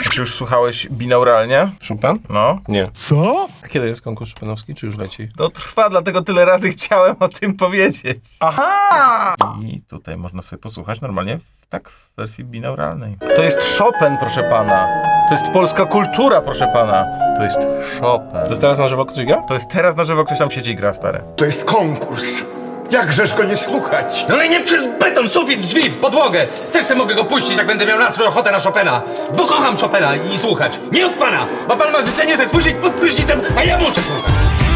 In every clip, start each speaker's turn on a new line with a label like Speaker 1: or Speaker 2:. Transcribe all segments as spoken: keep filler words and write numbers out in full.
Speaker 1: Czy już słuchałeś binauralnie?
Speaker 2: Chopin?
Speaker 1: No.
Speaker 2: Nie.
Speaker 3: Co?
Speaker 2: A kiedy jest konkurs chopinowski, czy już leci?
Speaker 1: To trwa, dlatego tyle razy chciałem o tym powiedzieć.
Speaker 2: Aha!
Speaker 1: I tutaj można sobie posłuchać normalnie w, tak w wersji binauralnej. To jest Chopin, proszę pana. To jest polska kultura, proszę pana. To jest Chopin.
Speaker 2: To jest teraz na żywo ktoś gra?
Speaker 1: To jest teraz na żywo, ktoś tam siedzi i gra, stary.
Speaker 3: To jest konkurs. Jakżeż go nie słuchać?
Speaker 4: No ale nie przez beton, sufit, drzwi, podłogę. Też sobie mogę go puścić, jak będę miał nastrój, ochotę na Chopina. Bo kocham Chopina i słuchać. Nie od pana, bo pan ma życzenie ze spojrzeć pod prysznicem, a ja muszę słuchać.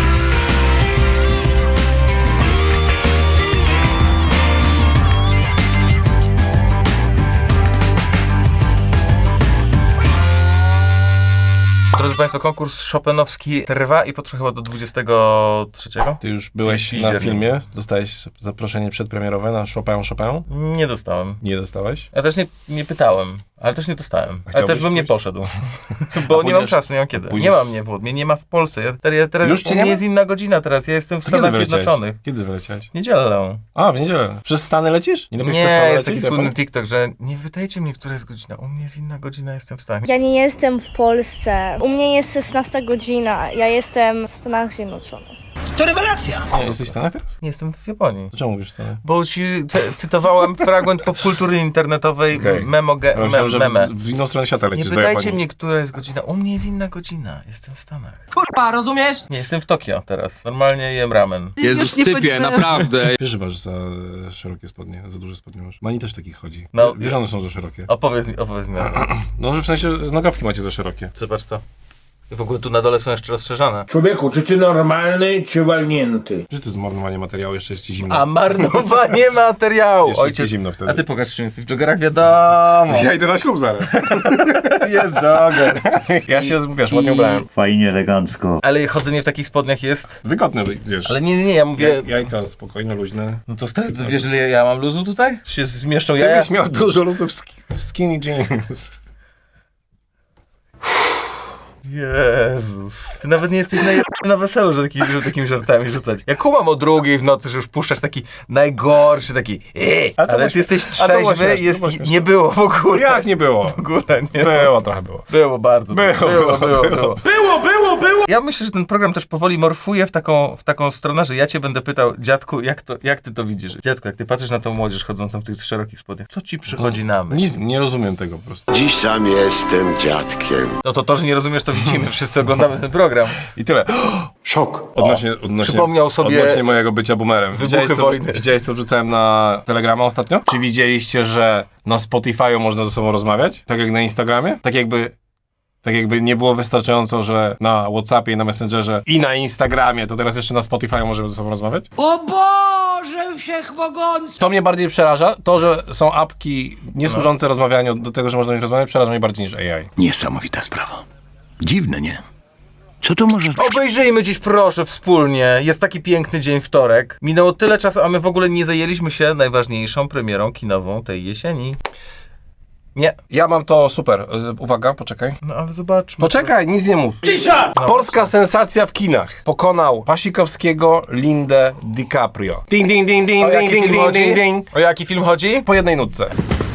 Speaker 1: Drodzy państwo, konkurs chopinowski trwa i potrwa chyba do dwudziestego trzeciego.
Speaker 2: Ty już byłeś
Speaker 1: I-
Speaker 2: na
Speaker 1: i-
Speaker 2: filmie, dostałeś zaproszenie przedpremierowe na Chopin Chopin?
Speaker 1: Nie dostałem.
Speaker 2: Nie dostałeś?
Speaker 1: Ja też nie, nie pytałem, ale też nie dostałem. Ale
Speaker 2: chciałbyś
Speaker 1: też bym nie
Speaker 2: pójść?
Speaker 1: poszedł. Bo nie mam
Speaker 2: pójdziesz-
Speaker 1: czasu, nie mam kiedy.
Speaker 2: pójdziesz-
Speaker 1: Nie ma mnie w mnie nie ma w Polsce. Ja, teraz- ja teraz
Speaker 2: Już cię
Speaker 1: u
Speaker 2: nie
Speaker 1: mnie
Speaker 2: ma?
Speaker 1: jest inna godzina teraz. Ja jestem w
Speaker 2: To kiedy
Speaker 1: Stanach
Speaker 2: wyleciałeś?
Speaker 1: Zjednoczonych.
Speaker 2: Kiedy wyleciałeś?
Speaker 1: W niedzielę.
Speaker 2: A, w niedzielę. Przez Stany lecisz? Nie, lepiej w te
Speaker 1: Nie,
Speaker 2: Stany
Speaker 1: jest
Speaker 2: lecieć,
Speaker 1: taki
Speaker 2: za
Speaker 1: słynny
Speaker 2: pan?
Speaker 1: TikTok, że nie pytajcie mnie, która jest godzina. U mnie jest inna godzina, jestem w Stanach.
Speaker 5: Ja nie jestem w Polsce. U mnie jest szesnasta godzina. Ja jestem w Stanach Zjednoczonych.
Speaker 4: To rewelacja.
Speaker 2: Nie, jesteś w Stanach teraz?
Speaker 1: Nie jestem w Japonii.
Speaker 2: To czemu mówisz Stany?
Speaker 1: Bo ci cy- cytowałem fragment popkultury internetowej
Speaker 2: Okej.
Speaker 1: memo, ge,
Speaker 2: Ja
Speaker 1: mem,
Speaker 2: myślałem, że
Speaker 1: meme.
Speaker 2: w, w inną stronę świata
Speaker 1: Nie
Speaker 2: lecisz do
Speaker 1: pytajcie
Speaker 2: Japonii.
Speaker 1: mnie, która jest godzina. U mnie jest inna godzina. Jestem w Stanach.
Speaker 4: Kurwa, rozumiesz?
Speaker 1: Nie, jestem w Tokio teraz. Normalnie jem ramen.
Speaker 6: Jezus, typie, naprawdę.
Speaker 2: Wiesz, że masz za szerokie spodnie, za duże spodnie masz. Mani też takich chodzi.
Speaker 1: No.
Speaker 2: Wiesz, że one są za szerokie.
Speaker 1: Opowiedz mi, opowiedz mi o tym.
Speaker 2: No, że w sensie nogawki macie za szerokie.
Speaker 1: Zobacz to. I w ogóle tu na dole są jeszcze rozszerzane.
Speaker 7: Człowieku, czy ty normalny, czy walnięty?
Speaker 2: Że to jest marnowanie materiału, jeszcze jest ci zimno.
Speaker 1: A marnowanie materiału!
Speaker 2: Jeszcze jest ci zimno wtedy.
Speaker 1: A ty pokaż, czy jesteś w joggerach, wiadomo.
Speaker 2: Ja idę na ślub zaraz.
Speaker 1: Jest jogger.
Speaker 2: Ja się, wiesz, ładnie ubrałem.
Speaker 8: Fajnie, elegancko.
Speaker 1: Ale chodzenie w takich spodniach jest...
Speaker 2: Wygodne, wiesz.
Speaker 1: Ale nie, nie, nie, ja mówię...
Speaker 2: Jajka spokojne, luźne.
Speaker 1: No to stary, ty wiesz, ile ja mam luzu tutaj? Czy się zmieszczą
Speaker 2: Ty
Speaker 1: jaja?
Speaker 2: byś miał dużo luzów w, sk- w skinny jeans.
Speaker 1: Jezus. Ty nawet nie jesteś najlepszy na weselu, że taki, żeby takimi żartami rzucać. Ja kumam o drugiej w nocy, że już puszczasz taki najgorszy, taki eee,
Speaker 2: A to
Speaker 1: ale
Speaker 2: było
Speaker 1: ty jesteś
Speaker 2: śmieszne. A to było
Speaker 1: trzeźwy,
Speaker 2: śmieszne,
Speaker 1: jest,
Speaker 2: to było śmieszne.
Speaker 1: nie było w ogóle.
Speaker 2: Jak nie było?
Speaker 1: W ogóle nie
Speaker 2: Było, trochę było.
Speaker 1: Było bardzo.
Speaker 2: Było,
Speaker 1: było, było, było, było.
Speaker 3: Było, było, było!
Speaker 1: Ja myślę, że ten program też powoli morfuje w taką, w taką stronę, że ja cię będę pytał, dziadku, jak, to, jak ty to widzisz? Dziadku, jak ty patrzysz na tą młodzież chodzącą w tych szerokich spodniach, co ci przychodzi na myśl?
Speaker 2: Nic, nie rozumiem tego po prostu.
Speaker 7: Dziś sam jestem dziadkiem.
Speaker 1: No to to, że nie rozumiesz, to widzimy. Wszyscy oglądamy ten program.
Speaker 2: I tyle.
Speaker 7: Szok.
Speaker 2: Odnośnie, odnośnie,
Speaker 1: przypomniał sobie
Speaker 2: odnośnie mojego bycia boomerem. Widziałeś co,
Speaker 1: wojny.
Speaker 2: widziałeś, co wrzucałem na Telegrama ostatnio? Czy widzieliście, że na Spotify'u można ze sobą rozmawiać? Tak jak na Instagramie? Tak jakby... Tak jakby nie było wystarczająco, że na WhatsAppie i na Messengerze i na Instagramie, to teraz jeszcze na Spotify'u możemy ze sobą rozmawiać?
Speaker 4: O Boże Wszechmogący!
Speaker 2: To mnie bardziej przeraża. To, że są apki niesłużące rozmawianiu do tego, że można o nich rozmawiać, przeraża mnie bardziej niż A I.
Speaker 8: Niesamowita sprawa. Dziwne, nie? Co to może...
Speaker 1: Obejrzyjmy dziś proszę wspólnie. Jest taki piękny dzień wtorek. Minęło tyle czasu, a my w ogóle nie zajęliśmy się najważniejszą premierą kinową tej jesieni. Nie.
Speaker 2: Ja mam to super. Y, Uwaga, poczekaj.
Speaker 1: No ale zobaczmy.
Speaker 2: Poczekaj, nic nie mów.
Speaker 4: Cisza!
Speaker 2: Polska sensacja w kinach. Pokonał Pasikowskiego, Lindę, DiCaprio. Ding, ding, ding, ding,
Speaker 1: O
Speaker 2: ding,
Speaker 1: jaki
Speaker 2: ding,
Speaker 1: film
Speaker 2: ding,
Speaker 1: chodzi?
Speaker 2: ding, ding.
Speaker 1: O jaki film chodzi?
Speaker 2: Po jednej nutce.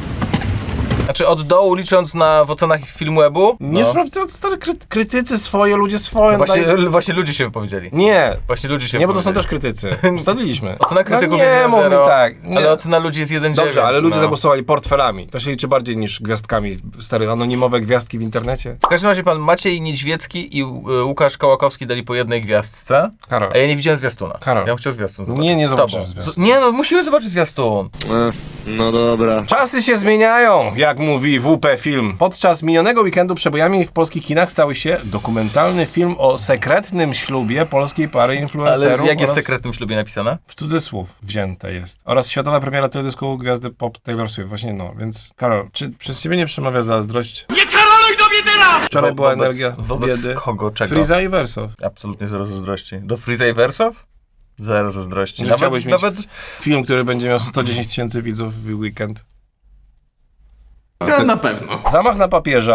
Speaker 1: Znaczy od dołu licząc na w ocenach Filmwebu?
Speaker 2: Nie
Speaker 1: No.
Speaker 2: sprawdzę, stary, kry krytycy swoje, ludzie swoje.
Speaker 1: Właśnie,
Speaker 2: daj-
Speaker 1: właśnie ludzie się wypowiedzieli.
Speaker 2: Nie,
Speaker 1: Właśnie ludzie się
Speaker 2: nie, bo to są
Speaker 1: wypowiedzieli.
Speaker 2: też krytycy. Ustaliliśmy.
Speaker 1: Ocena krytyków
Speaker 2: no
Speaker 1: jest
Speaker 2: nie,
Speaker 1: jeden
Speaker 2: mów mi
Speaker 1: zero,
Speaker 2: tak. Nie.
Speaker 1: ale ocena ludzi jest jeden dziewięć.
Speaker 2: Dobrze, ale ludzie
Speaker 1: no.
Speaker 2: zagłosowali portfelami. To się liczy bardziej niż gwiazdkami. Stare, anonimowe gwiazdki w internecie.
Speaker 1: W każdym razie pan Maciej Niedźwiecki i y, Łukasz Kołakowski dali po jednej gwiazdce.
Speaker 2: Karol.
Speaker 1: A ja nie widziałem zwiastuna.
Speaker 2: Karol.
Speaker 1: Ja bym chciał zwiastun zobaczyć.
Speaker 2: Nie, nie
Speaker 1: Z
Speaker 2: zobaczysz
Speaker 1: tobą.
Speaker 2: zwiastun.
Speaker 1: Z- Nie no, musimy zobaczyć zwiastun.
Speaker 8: No dobra.
Speaker 2: Czasy się zmieniają, jak mówi W P Film. Podczas minionego weekendu przebojami w polskich kinach stał się dokumentalny film o sekretnym ślubie polskiej pary
Speaker 1: Ale
Speaker 2: influencerów.
Speaker 1: jak jest w
Speaker 2: oraz...
Speaker 1: sekretnym ślubie napisane?
Speaker 2: W cudzysłów wzięte jest. Oraz światowa premiera teledysku gwiazdy pop Taylor Swift. Właśnie no, więc Karol, czy przez ciebie nie przemawia zazdrość?
Speaker 4: Nie karoluj do mnie teraz!
Speaker 2: Wczoraj
Speaker 1: Wo-
Speaker 2: była
Speaker 1: wobec-
Speaker 2: energia
Speaker 1: wobec
Speaker 2: biedy.
Speaker 1: kogo, czego?
Speaker 2: Friza i Wersow.
Speaker 1: Absolutnie zero zazdrości. Do Freeza i Wersow? Zero zazdrości.
Speaker 2: Że
Speaker 1: Nawet,
Speaker 2: chciałbyś mieć
Speaker 1: nawet...
Speaker 2: film, który będzie miał sto dziesięć tysięcy widzów w weekend.
Speaker 6: Ja na pewno.
Speaker 2: Zamach na papieża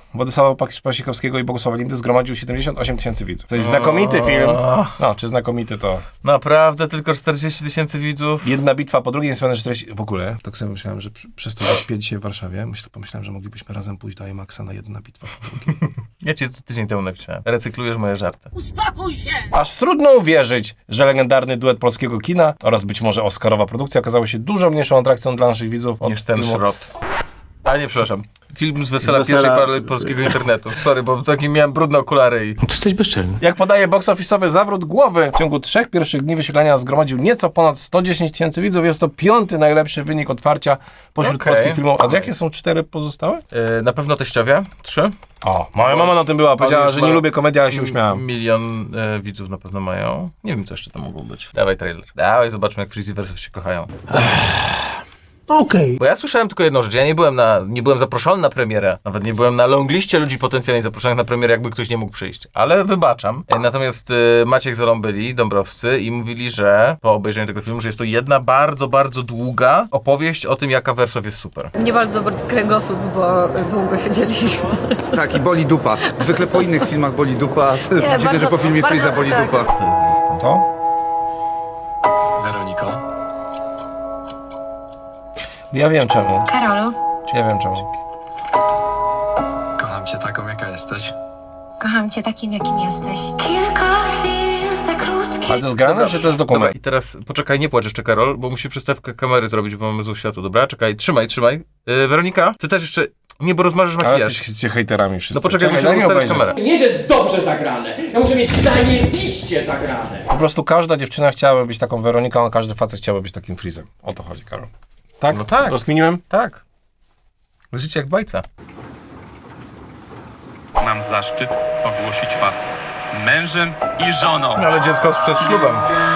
Speaker 2: Władysława Pasikowskiego i Bogusława Lindy zgromadził siedemdziesiąt osiem tysięcy widzów. To jest znakomity film. No, czy znakomity to...
Speaker 1: Naprawdę tylko czterdzieści tysięcy widzów?
Speaker 2: Jedna bitwa po drugiej, niespełna czterdzieści... W ogóle, tak sobie myślałem, że przy- przez to, że śpię dzisiaj w Warszawie, myślę, pomyślałem, że moglibyśmy razem pójść do IMAXa na jedna bitwa po drugiej.
Speaker 1: Ja ci tydzień temu napisałem. Recyklujesz moje żarty.
Speaker 2: Aż trudno uwierzyć, że legendarny duet polskiego kina oraz być może oscarowa produkcja okazało się dużo mniejszą atrakcją dla naszych widzów od
Speaker 1: Niż ten
Speaker 2: filmu-
Speaker 1: szrot. A nie, przepraszam. Film z wesela,
Speaker 6: Z wesela-
Speaker 1: pierwszej pary polskiego internetu. Sorry, bo taki miałem brudne okulary i...
Speaker 6: To jesteś bezczelny.
Speaker 2: Jak podaje box office'owy zawrót głowy, w ciągu trzech pierwszych dni wyświetlania zgromadził nieco ponad sto dziesięć tysięcy widzów. Jest to piąty najlepszy wynik otwarcia pośród
Speaker 1: Okej.
Speaker 2: polskich filmów. A jakie są cztery pozostałe?
Speaker 1: Yy, na pewno Teściowie. Trzy.
Speaker 2: O, moja mama na tym była. Powiedziała,
Speaker 1: już
Speaker 2: że
Speaker 1: ma-
Speaker 2: nie lubię komedii, ale się uśmiałam.
Speaker 1: Milion e, widzów na pewno mają. Nie wiem, co jeszcze tam mogło być. Dawaj trailer. Dawaj, zobaczmy, jak Freezy versus się kochają.
Speaker 8: Okej.
Speaker 1: Bo ja słyszałem tylko jedną rzecz. Ja nie byłem na, nie byłem zaproszony na premierę. Nawet nie byłem na longliście ludzi potencjalnie zaproszonych na premierę, jakby ktoś nie mógł przyjść. Ale wybaczam. E, Natomiast e, Maciek z Olą byli, Dąbrowscy, i mówili, że po obejrzeniu tego filmu, że jest to jedna bardzo, bardzo długa opowieść o tym, jaka Wersow jest super.
Speaker 9: Mnie bardzo boli kręgosłup, bo długo siedzieliśmy.
Speaker 10: Tak, i boli dupa. Zwykle po innych filmach boli dupa. Dziwne,
Speaker 9: bardzo-
Speaker 10: że po filmie
Speaker 9: bardzo-
Speaker 10: Freeza boli
Speaker 9: tak.
Speaker 10: dupa.
Speaker 1: To jest zwiastun.
Speaker 2: To?
Speaker 8: Weroniko.
Speaker 2: Ja wiem czemu.
Speaker 9: Karolu,
Speaker 2: Czy ja wiem czemu.
Speaker 8: Kocham cię taką, jaka jesteś.
Speaker 9: kocham cię takim, jakim jesteś.
Speaker 2: Ale to jest grane, czy to jest
Speaker 1: Dobra,
Speaker 2: dokument?
Speaker 1: i teraz poczekaj, nie płacz jeszcze, Karol, bo musi przystawkę kamery zrobić, bo mamy złe światło. Dobra, czekaj, trzymaj, trzymaj. Yy, Weronika, ty też jeszcze... Nie, bo rozmarzysz
Speaker 2: Ale
Speaker 1: makijaż.
Speaker 2: jesteście hejterami wszyscy.
Speaker 1: No poczekaj,
Speaker 2: Czekaj,
Speaker 1: musimy
Speaker 2: daj mi
Speaker 1: ustawić
Speaker 2: obejrzeć.
Speaker 1: kamerę.
Speaker 11: Nie, że jest dobrze zagrane. Ja muszę mieć zajebiście zagrane.
Speaker 2: Po prostu każda dziewczyna chciałaby być taką Weroniką, a każdy facet chciałby być takim Freezem. O to chodzi, Karol. Tak?
Speaker 1: No tak.
Speaker 2: Rozkminiłem?
Speaker 1: Tak. Życie jak w bajce.
Speaker 12: Mam zaszczyt ogłosić was mężem i żoną.
Speaker 1: No ale dziecko przed ślubem.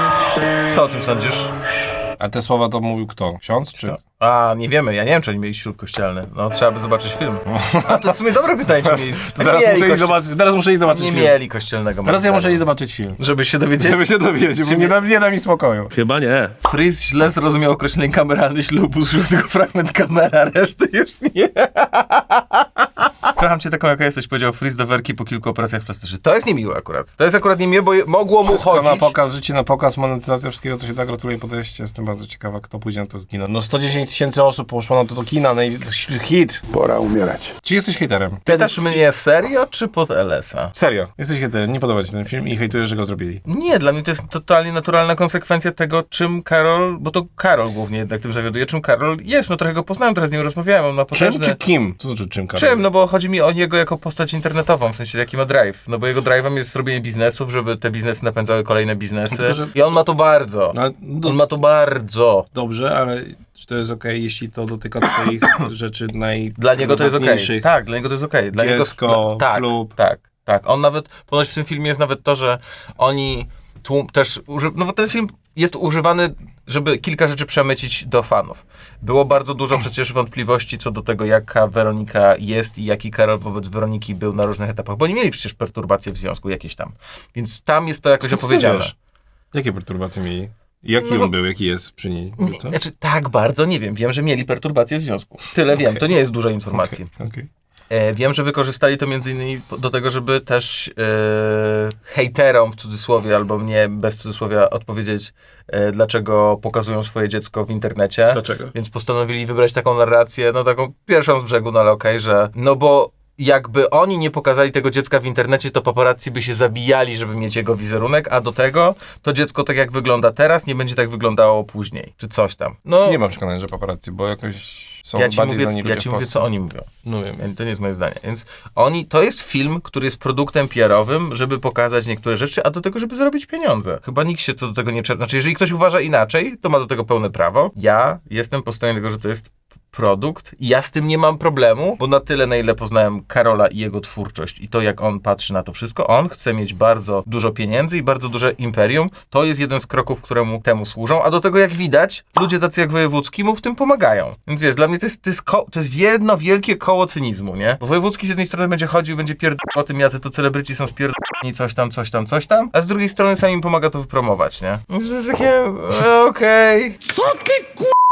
Speaker 1: Co o tym sądzisz?
Speaker 2: A te słowa to mówił kto? Ksiądz czy...
Speaker 1: A, nie wiemy, ja nie wiem, czy oni mieli ślub kościelny. No, trzeba by zobaczyć film. A to jest w sumie dobre pytanie, czy mieli...
Speaker 2: To zaraz,
Speaker 1: mieli
Speaker 2: muszę iść
Speaker 1: kości-
Speaker 2: zobaczyć, teraz muszę iść zobaczyć
Speaker 1: Nie
Speaker 2: film.
Speaker 1: mieli kościelnego.
Speaker 2: Teraz ja
Speaker 1: moim
Speaker 2: muszę
Speaker 1: zdaniem.
Speaker 2: iść zobaczyć film.
Speaker 1: Żeby się dowiedzieć.
Speaker 2: Żeby się dowiedzieć, bo nie da, nie da mi spokoju.
Speaker 6: Chyba nie.
Speaker 1: Freeze źle zrozumiał określenie kameralny ślubu, usłyszał tylko fragment kamera, reszty już nie. Kocham cię taką, jaka jesteś, powiedział Freeze do Werki po kilku operacjach plastycznych. To jest niemiłe akurat. To jest akurat niemiłe, bo je- mogło mu
Speaker 2: Wszystko
Speaker 1: chodzić.
Speaker 2: na pokaz, życie na pokaz, monetyzacja wszystkiego, co się da. Gratuluję podejście. Jestem bardzo ciekawa, kto pójdzie na to kino. No sto dziesięć tysięcy osób poszło na to, to kina, naj- hit.
Speaker 7: Pora umierać.
Speaker 2: Czy jesteś hejterem?
Speaker 1: Pytasz mnie serio, czy pod L S a?
Speaker 2: Serio, jesteś hejterem, nie podoba ci ten film i hejtujesz, że go zrobili.
Speaker 1: Nie, dla mnie to jest totalnie naturalna konsekwencja tego, czym Karol, bo to Karol głównie jednak tym zawiaduje, czym Karol jest. No trochę go poznałem, teraz z nim rozmawiałem, on ma
Speaker 2: Czym
Speaker 1: potężne...
Speaker 2: czy kim? Co znaczy czym, Karol?
Speaker 1: Czym? No bo chodzi mi o niego jako postać internetową, w sensie jaki ma drive. No bo jego drive'em jest robienie biznesów, żeby te biznesy napędzały kolejne biznesy.
Speaker 2: Tylko, że-
Speaker 1: I on ma to bardzo.
Speaker 2: No, ale, do,
Speaker 1: On ma to bardzo.
Speaker 2: Dobrze, ale czy to jest okej, jeśli to dotyka twoich rzeczy naj...
Speaker 1: Dla niego to jest okej.
Speaker 2: najważniejszych?
Speaker 1: Tak, dla niego to jest okej. Dla
Speaker 2: Dziecko,
Speaker 1: niego... tak,
Speaker 2: ślub.
Speaker 1: Tak, tak. On nawet, ponoć w tym filmie jest nawet to, że oni tłum, też, uży... no bo ten film jest używany, żeby kilka rzeczy przemycić do fanów. Było bardzo dużo przecież wątpliwości co do tego, jaka Weronika jest i jaki Karol wobec Weroniki był na różnych etapach, bo oni mieli przecież perturbacje w związku jakieś tam. Więc tam jest to jakoś
Speaker 2: Skąd ty
Speaker 1: opowiedziane.
Speaker 2: wiesz? Jakie perturbacje mieli? Jaki
Speaker 1: No bo-
Speaker 2: on był, jaki jest przy niej?
Speaker 1: Nie,
Speaker 2: Co?
Speaker 1: znaczy, tak bardzo nie wiem. Wiem, że mieli perturbacje w związku. Tyle wiem, to nie jest dużo informacji.
Speaker 2: Okej.
Speaker 1: E, wiem, że wykorzystali to między innymi po- do tego, żeby też e, hejterom w cudzysłowie, albo mnie bez cudzysłowia odpowiedzieć, e, dlaczego pokazują swoje dziecko w internecie.
Speaker 2: Dlaczego?
Speaker 1: Więc postanowili wybrać taką narrację, no taką pierwszą z brzegu, no ale okej, że no bo jakby oni nie pokazali tego dziecka w internecie, to paparazzi by się zabijali, żeby mieć jego wizerunek, a do tego to dziecko tak jak wygląda teraz, nie będzie tak wyglądało później, czy coś tam. No,
Speaker 2: Nie mam przekonania, że paparazzi, bo jakoś są
Speaker 1: ja ci
Speaker 2: bardziej
Speaker 1: mówię,
Speaker 2: znani ludzie
Speaker 1: ja ci
Speaker 2: w
Speaker 1: mówię,
Speaker 2: Polsce.
Speaker 1: co oni mówią. No wiem, to nie jest moje zdanie. Więc oni, to jest film, który jest produktem P R-owym, żeby pokazać niektóre rzeczy, a do tego, żeby zarobić pieniądze. Chyba nikt się co do tego nie czerpie. Znaczy, jeżeli ktoś uważa inaczej, to ma do tego pełne prawo. Ja jestem po stronie tego, że to jest produkt i ja z tym nie mam problemu, bo na tyle, na ile poznałem Karola i jego twórczość i to, jak on patrzy na to wszystko, on chce mieć bardzo dużo pieniędzy i bardzo duże imperium. To jest jeden z kroków, któremu temu służą, a do tego, jak widać, ludzie tacy jak Wojewódzki mu w tym pomagają. Więc wiesz, dla mnie to jest, to jest, ko- to jest jedno wielkie koło cynizmu, nie? Bo Wojewódzki z jednej strony będzie chodził, będzie pierdolał o tym, jacy to celebryci są spierdoleni, coś tam, coś tam, coś tam, a z drugiej strony sam im pomaga to wypromować, nie? Więc to jest takie, e, okej.
Speaker 11: Co ty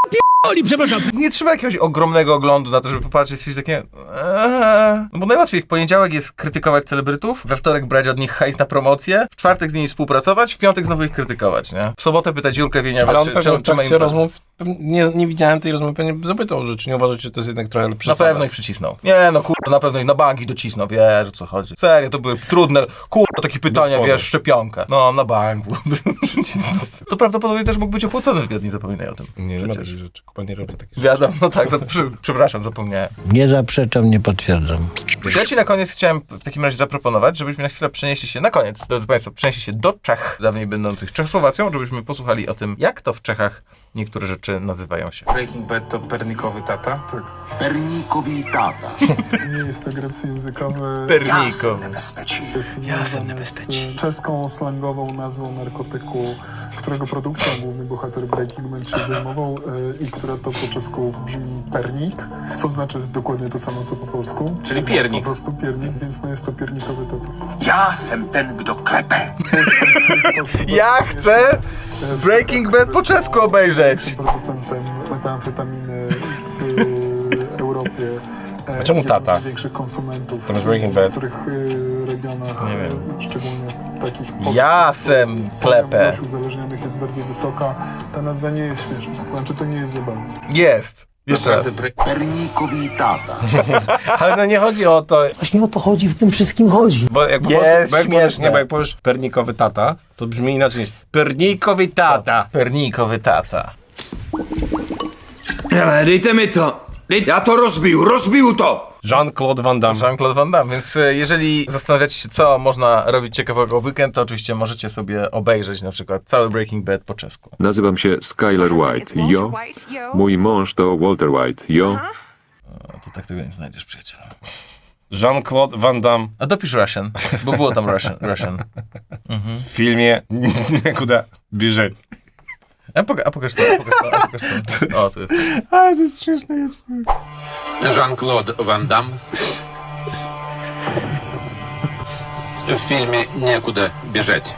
Speaker 11: Oli, przepraszam.
Speaker 1: Nie trzeba jakiegoś ogromnego oglądu na to, żeby popatrzeć, coś takie... Eee. No bo najłatwiej w poniedziałek jest krytykować celebrytów, we wtorek brać od nich hajs na promocję, w czwartek z nimi współpracować, w piątek znowu ich krytykować, nie? W sobotę pytać Julkę Wieniawę,
Speaker 2: Ale on
Speaker 1: czy,
Speaker 2: pewnie
Speaker 1: czy,
Speaker 2: w
Speaker 1: czy ma
Speaker 2: trakcie
Speaker 1: im...
Speaker 2: rozmów, nie, nie widziałem tej rozmowy, pewnie zapytał, że czy nie uważacie, że to jest jednak trochę
Speaker 1: Na
Speaker 2: przesada.
Speaker 1: pewno ich przycisnął. Nie no, kurwa, na pewno ich na banki docisnął, wiesz o co chodzi. Serio, to były trudne, kurwa, takie pytania,
Speaker 2: Gospody.
Speaker 1: wiesz, szczepionka. No, na banku. To prawdopodobnie też mógł być opłacony wywiad, nie zapominaj o tym.
Speaker 2: Nie, nie ma
Speaker 1: Przecież.
Speaker 2: takich rzeczy. Kuba nie robi takich rzeczy.
Speaker 1: Wiadomo, no tak, za, przy, przepraszam, zapomniałem.
Speaker 8: Nie zaprzeczam, nie potwierdzam.
Speaker 1: Więc ja ci na koniec chciałem w takim razie zaproponować, żebyśmy na chwilę przenieśli się, na koniec, drodzy Państwo, przenieśli się do Czech, dawniej będących Czechosłowacją, żebyśmy posłuchali o tym, jak to w Czechach niektóre rzeczy nazywają się.
Speaker 12: Breaking Bad to pernikowy tata?
Speaker 7: Pernikowi tata.
Speaker 3: Nie jest to greps językowy.
Speaker 1: Perniko.
Speaker 3: Jest to związane z czeską slangową nazwą narkotyku, którego produkcją główny bohater Breaking Bad się zajmował i która to po czesku brzmi pernik, co znaczy dokładnie to samo co po polsku.
Speaker 12: Czyli piernik.
Speaker 3: Po prostu piernik, więc no jest to piernikowy tata.
Speaker 7: Ja jestem ten, kto klepę.
Speaker 1: Ja chcę Breaking Bad po czesku obejrzeć.
Speaker 3: Producentem metamfetaminy w Europie.
Speaker 2: A czemu
Speaker 3: Jeden
Speaker 2: tata?
Speaker 3: z największych konsumentów
Speaker 2: To jest Breaking Bad.
Speaker 3: w niektórych y, regionach,
Speaker 1: Nie wiem.
Speaker 3: y, szczególnie takich post-
Speaker 1: Jasem klepę.
Speaker 3: Ilość uzależnionych jest bardzo wysoka. Ta nazwa nie jest śmieszna, znaczy to nie jest zabawne.
Speaker 1: Jest. Jeszcze raz.
Speaker 7: Pernikowi tata.
Speaker 2: Ale no nie chodzi o to,
Speaker 8: Właśnie o to chodzi, w tym wszystkim chodzi.
Speaker 2: bo jak po
Speaker 1: Jest
Speaker 2: polsku, bo jak powiesz,
Speaker 1: śmieszne.
Speaker 2: nie, bo jak powiesz pernikowy tata, to brzmi inaczej niż pernikowy tata.
Speaker 1: Pernikowy tata.
Speaker 10: Ale dejte mi to. Ja to rozbił, rozbił to!
Speaker 2: Jean-Claude Van Damme.
Speaker 1: Jean-Claude Van Damme, więc e, jeżeli zastanawiacie się, co można robić ciekawego w weekend, to oczywiście możecie sobie obejrzeć na przykład cały Breaking Bad po czesku.
Speaker 12: Nazywam się Skyler White. Jo. Mój mąż to Walter White. Jo.
Speaker 1: No, to tak tego nie znajdziesz, przyjacielu.
Speaker 2: Jean-Claude Van Damme
Speaker 1: A dopisz Russian, bo było tam Russian. Russian.
Speaker 2: w filmie Kuda bierze.
Speaker 1: A, poka- a pokaż to, a pokaż to, a pokaż to. O, tu jest.
Speaker 2: Ale to jest śmieszne.
Speaker 12: Jean-Claude Van Damme. W filmie Niekуда bieżeć.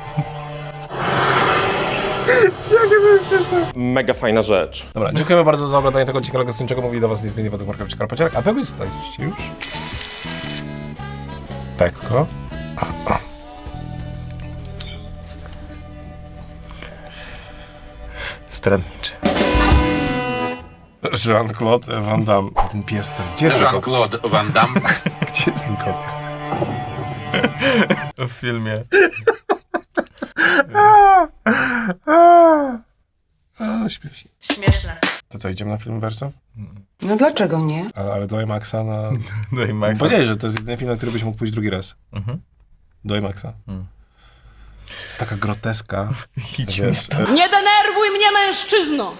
Speaker 4: Mega fajna rzecz.
Speaker 2: Dobra, dziękujemy bardzo za oglądanie tego ciekawego odcinka. Mówi do was niezmiennie Władek Markowicz Karpaciarek. A wy jesteście już? Lekko. A, a.
Speaker 1: Stradniczy.
Speaker 2: Jean-Claude Van Damme. Ten pies ten. Gdzie jest ten kot?
Speaker 12: Jean-Claude Van Damme.
Speaker 2: Gdzie jest ten kot?
Speaker 1: W filmie.
Speaker 2: A, śmieszne.
Speaker 9: Śmieszne.
Speaker 2: To co, idziemy na film Wersow?
Speaker 9: No dlaczego nie?
Speaker 2: A, ale do IMAXa na...
Speaker 1: No i Max.
Speaker 2: Powiedziałeś, że to jest jedyny film, na który byś mógł pójść drugi raz.
Speaker 1: Mhm.
Speaker 2: Do IMAXa.
Speaker 1: Mm.
Speaker 2: To jest taka groteska. Wiesz,
Speaker 11: Nie denerwuj mnie, mężczyzno!